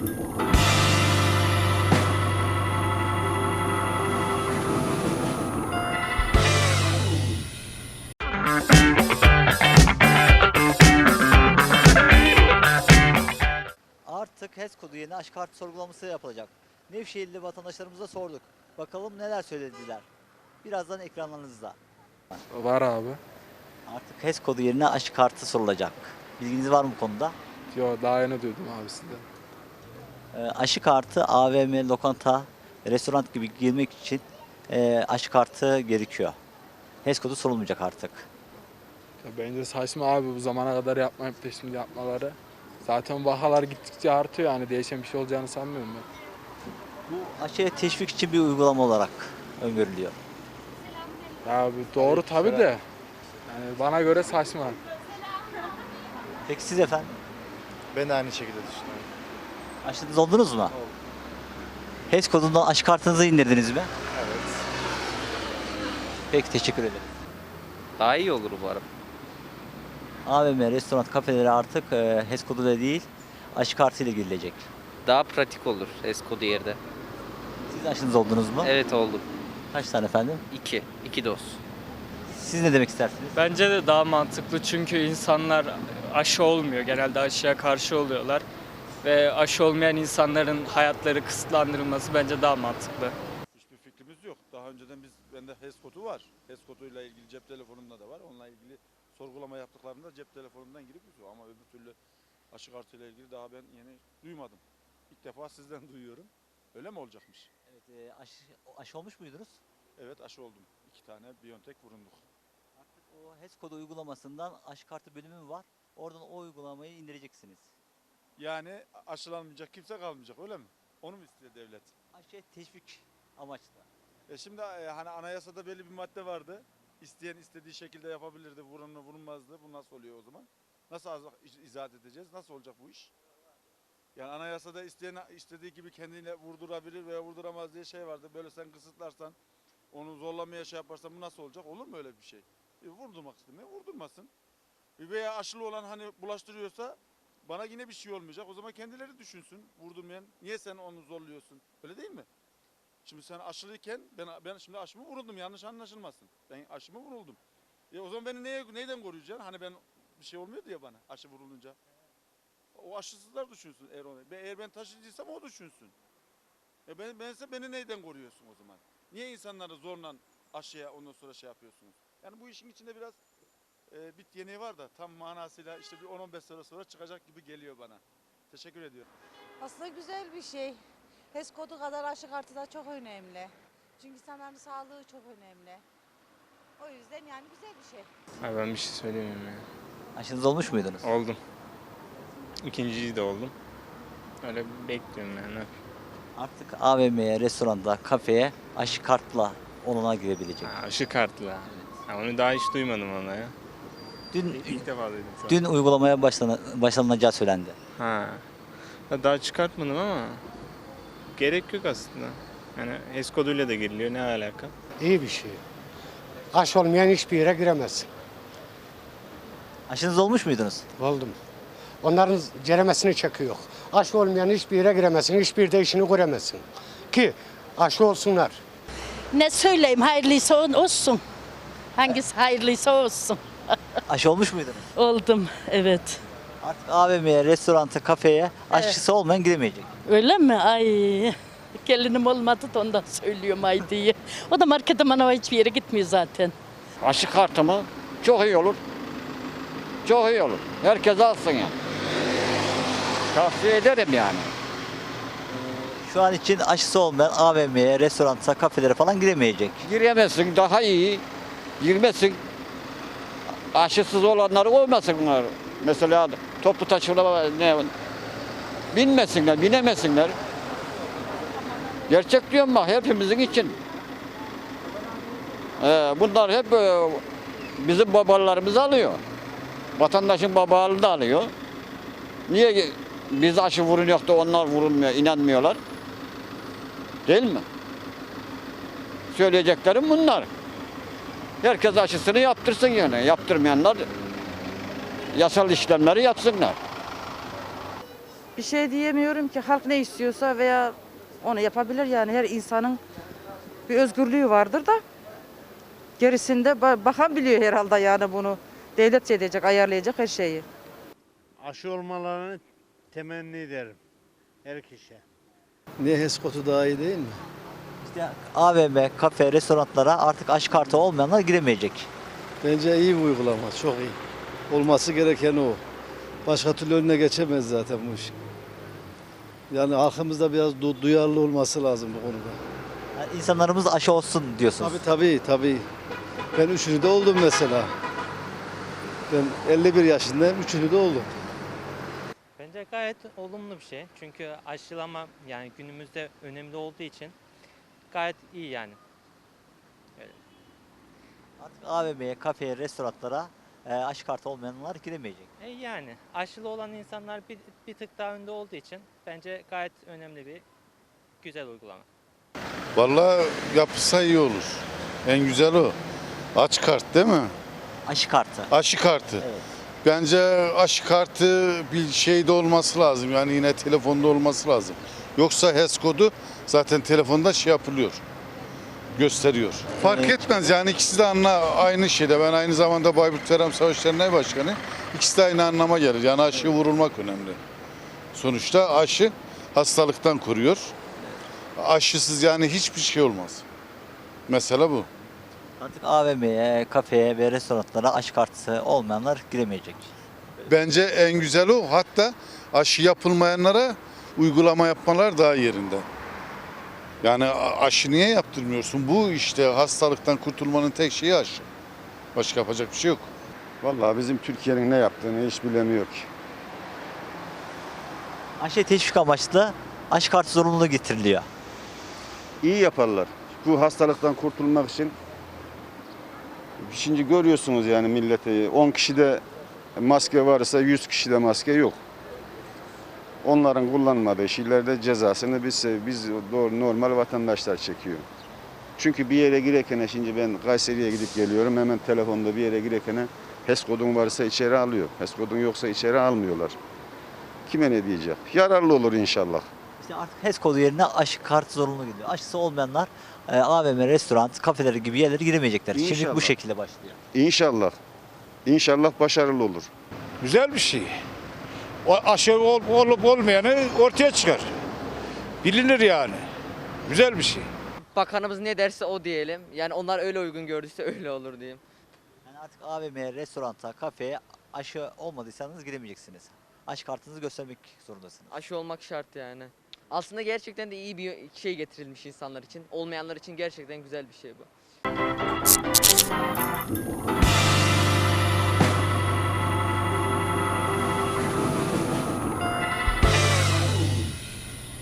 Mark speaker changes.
Speaker 1: Artık HES kodu yerine aşı kartı sorgulaması yapılacak. Nevşehirli vatandaşlarımıza sorduk. Bakalım neler söylediler. Birazdan ekranlarınızda.
Speaker 2: Var abi.
Speaker 1: Artık HES kodu yerine aşı kartı sorulacak. Bilginiz var mı bu konuda?
Speaker 2: Yo, daha yeni duydum abi sizden.
Speaker 1: Aşı kartı AVM, lokanta, restoran gibi girmek için aşı kartı gerekiyor. HES kodu sorulmayacak artık.
Speaker 2: Ya bence saçma abi, bu zamana kadar yapmayıp da şimdi yapmaları. Zaten vakalar gittikçe artıyor, yani değişen bir şey olacağını sanmıyorum ben.
Speaker 1: Bu aşıya teşvik için bir uygulama olarak öngörülüyor.
Speaker 2: Ya abi doğru tabii de. Yani bana göre saçma.
Speaker 1: Peki siz efendim?
Speaker 3: Ben de aynı şekilde düşünüyorum.
Speaker 1: Aşınız oldunuz mu?
Speaker 3: Oldu.
Speaker 1: HES kodundan aşı kartınızı indirdiniz mi?
Speaker 3: Evet.
Speaker 1: Peki teşekkür ederim.
Speaker 4: Daha iyi olur umarım.
Speaker 1: AVM, restoran, kafelere artık HES koduyla değil aşı kartıyla girilecek.
Speaker 4: Daha pratik olur Eskodu yerde.
Speaker 1: Siz aşınız oldunuz mu?
Speaker 4: Evet oldum.
Speaker 1: Kaç tane efendim?
Speaker 4: 2 doz.
Speaker 1: Siz ne demek istersiniz?
Speaker 5: Bence de daha mantıklı çünkü insanlar aşı olmuyor. Genelde aşıya karşı oluyorlar. Ve aşı olmayan insanların hayatları kısıtlandırılması bence daha mantıklı.
Speaker 6: Hiçbir fikrimiz yok. Daha önceden bende HES kodu var. HES koduyla ilgili cep telefonumda da var. Onunla ilgili sorgulama yaptıklarında cep telefonumdan girip yüzüyor. Ama öbür türlü aşı kartıyla ilgili daha ben yeni duymadım. İlk defa sizden duyuyorum. Öyle mi olacakmış?
Speaker 1: Evet, aşı olmuş muydunuz?
Speaker 6: Evet, aşı oldum. 2 tane BioNTech vurunduk.
Speaker 1: Artık o HES kodu uygulamasından aşı kartı bölümü var. Oradan o uygulamayı indireceksiniz.
Speaker 6: Yani aşılanmayacak kimse kalmayacak, öyle mi? Onu mu istiyor devlet?
Speaker 1: Aşıya teşvik amaçlı.
Speaker 6: Şimdi hani anayasada belli bir madde vardı. İsteyen istediği şekilde yapabilirdi, vurulmazdı. Bu nasıl oluyor o zaman? Nasıl izah edeceğiz? Nasıl olacak bu iş? Yani anayasada isteyen istediği gibi kendine vurdurabilir veya vurduramaz diye şey vardı. Böyle sen kısıtlarsan, onu zorlamaya şey yaparsan bu nasıl olacak? Olur mu öyle bir şey? Vurdurmak istemiyor, vurdurmasın. Veya aşılı olan hani bulaştırıyorsa bana yine bir şey olmayacak. O zaman kendileri düşünsün. Vurdurmayan, niye sen onu zorluyorsun? Öyle değil mi? Şimdi sen aşılıyken ben şimdi aşımı vuruldum, yanlış anlaşılmasın. Ben aşımı vuruldum. O zaman beni neyden koruyacaksın? Hani ben bir şey olmuyor diye bana aşı vurulunca. O aşısızlar düşünsün eğer ben taşıyıcıysam o düşünsün. Bense beni neyden koruyorsun o zaman? Niye insanları zorla aşıya ondan sonra şey yapıyorsunuz? Yani bu işin içinde biraz bit yeniği var da tam manasıyla işte bir 10-15 sene sonra çıkacak gibi geliyor bana. Teşekkür ediyorum.
Speaker 7: Aslında güzel bir şey. HES kodu kadar aşı kartı da çok önemli. Çünkü insanların sağlığı çok önemli. O yüzden yani güzel bir şey.
Speaker 8: Abi ben bir şey söyleyeyim ya.
Speaker 1: Aşınız olmuş muydunuz?
Speaker 8: Oldum. İkinciyi de oldum. Öyle bekliyorum yani.
Speaker 1: Artık AVM'ye, restoranda, kafeye aşı kartla onuna girebilecek.
Speaker 8: Ha, aşı kartla. Ha, onu daha hiç duymadım ona ya.
Speaker 1: Dün
Speaker 8: İlk defa duydum şu an.
Speaker 1: dün uygulamaya başlanılacağı söylendi.
Speaker 8: Ha. Ya daha çıkartmadım ama gerek yok aslında. Yani HES koduyla da giriliyor, ne alaka?
Speaker 9: İyi bir şey. Aşı olmayan hiçbir yere giremez.
Speaker 1: Aşınız olmuş muydunuz?
Speaker 9: Oldum. Onların ceremesini çekiyor. Aşı olmayan hiçbir yere giremezsin, hiçbir de işini göremezsin. Ki aşı olsunlar.
Speaker 10: Ne söyleyeyim, hayırlıysa olsun. Hangisi hayırlıysa olsun.
Speaker 1: Aşı olmuş muydunuz?
Speaker 10: Oldum, evet.
Speaker 1: Artık AVM'ye, restoranta, kafeye aşısı olmayan giremeyecek.
Speaker 10: Öyle mi? Ay, gelinim olmadı da ondan söylüyorum ay diye. O da markete manava hiçbir yere gitmiyor zaten.
Speaker 11: Aşı kartı mı? Çok iyi olur. Çok iyi olur. Herkes alsın yani. Tavsiye ederim yani.
Speaker 1: Şu an için aşısı olmayan AVM'ye, restoranta, kafelere falan giremeyecek.
Speaker 11: Giremezsin, daha iyi. Girmesin. Aşısız olanları olmasınlar. Mesela toplu taşıma binmesinler, binemesinler. Gerçek diyorum bak, hepimizin için. Bunlar hep bizim babalarımız alıyor. Vatandaşın babalığını da alıyor. Niye biz aşı vurunuyor da onlar vurulmuyor, inanmıyorlar? Değil mi? Söyleyeceklerim bunlar. Herkes aşısını yaptırsın yani. Yaptırmayanlar yasal işlemleri yapsınlar.
Speaker 7: Bir şey diyemiyorum ki, halk ne istiyorsa veya onu yapabilir yani, her insanın bir özgürlüğü vardır da gerisinde bakan biliyor herhalde yani bunu. Devlet şey edecek, ayarlayacak her şeyi.
Speaker 12: Aşı olmalarını temenni ederim her kişiye.
Speaker 13: Niye HES kodu daha iyi değil mi?
Speaker 1: İşte AVM, kafe, restoranlara artık aşı kartı olmayanlar giremeyecek.
Speaker 13: Bence iyi bir uygulama, çok iyi. Olması gereken o. Başka türlü önüne geçemez zaten bu iş. Yani halkımızda biraz duyarlı olması lazım bu konuda.
Speaker 1: Yani insanlarımız aşı olsun diyorsunuz.
Speaker 13: Tabii. Ben üçünü de oldum mesela. Ben 51 yaşındayım, üçünü de oldum.
Speaker 14: Bence gayet olumlu bir şey. Çünkü aşılama yani günümüzde önemli olduğu için gayet iyi yani.
Speaker 1: Artık AVM'ye, kafeye, restoranlara aşı kartı olmayanlar giremeyecek.
Speaker 14: Yani aşılı olan insanlar bir tık daha önde olduğu için bence gayet önemli bir güzel uygulama.
Speaker 6: Vallahi yapılsa iyi olur. En güzel o. Aç kart değil mi?
Speaker 1: Aşı kartı.
Speaker 6: Aşı kartı.
Speaker 1: Evet.
Speaker 6: Bence aşı kartı bir şeyde olması lazım. Yani yine telefonda olması lazım. Yoksa HES kodu zaten telefonda şey yapılıyor. Gösteriyor. Fark etmez yani ikisi de aynı şeyde. Ben aynı zamanda Bayburt Verem Savaş Derneği Başkanı. İkisi de aynı anlama gelir. Yani aşıyı vurulmak önemli. Sonuçta aşı hastalıktan koruyor. Aşısız yani hiçbir şey olmaz. Mesela bu.
Speaker 1: Artık AVM'ye, kafeye ve restoranlara aşı kartı olmayanlar giremeyecek.
Speaker 6: Bence en güzel o. Hatta aşı yapılmayanlara uygulama yapmalar daha yerinde. Yani aşı niye yaptırmıyorsun? Bu işte hastalıktan kurtulmanın tek şeyi aşı. Başka yapacak bir şey yok.
Speaker 15: Vallahi bizim Türkiye'nin ne yaptığını hiç bilemiyor ki.
Speaker 1: Aşı teşvik amaçlı aşı kartı zorunluluğu getiriliyor.
Speaker 15: İyi yaparlar. Bu hastalıktan kurtulmak için. Şimdi görüyorsunuz yani milleti 10 kişide maske varsa 100 kişide maske yok. Onların kullanmadığı şeylerde cezasını biz normal vatandaşlar çekiyor. Çünkü bir yere girerken şimdi ben Kayseri'ye gidip geliyorum hemen telefonda bir yere girerken HES kodun varsa içeri alıyor. HES kodun yoksa içeri almıyorlar. Kime ne diyecek? Yararlı olur inşallah.
Speaker 1: İşte artık HES kodu yerine aşı kartı zorunlu gidiyor. Aşısı olmayanlar AVM, restoran, kafeleri gibi yerlere giremeyecekler. Şimdi
Speaker 15: İnşallah.
Speaker 1: bu şekilde başlıyor.
Speaker 15: İnşallah. İnşallah başarılı olur.
Speaker 12: Güzel bir şey. O aşı olup olmayanı ortaya çıkar. Bilinir yani. Güzel bir şey.
Speaker 16: Bakanımız ne derse o diyelim. Yani onlar öyle uygun gördüyse öyle olur diyeyim.
Speaker 1: Yani artık AVM'ye, restoranta, kafeye aşı olmadıysanız giremeyeceksiniz. Aşı kartınızı göstermek zorundasınız.
Speaker 16: Aşı olmak şart yani. Aslında gerçekten de iyi bir şey getirilmiş insanlar için. Olmayanlar için gerçekten güzel bir şey bu.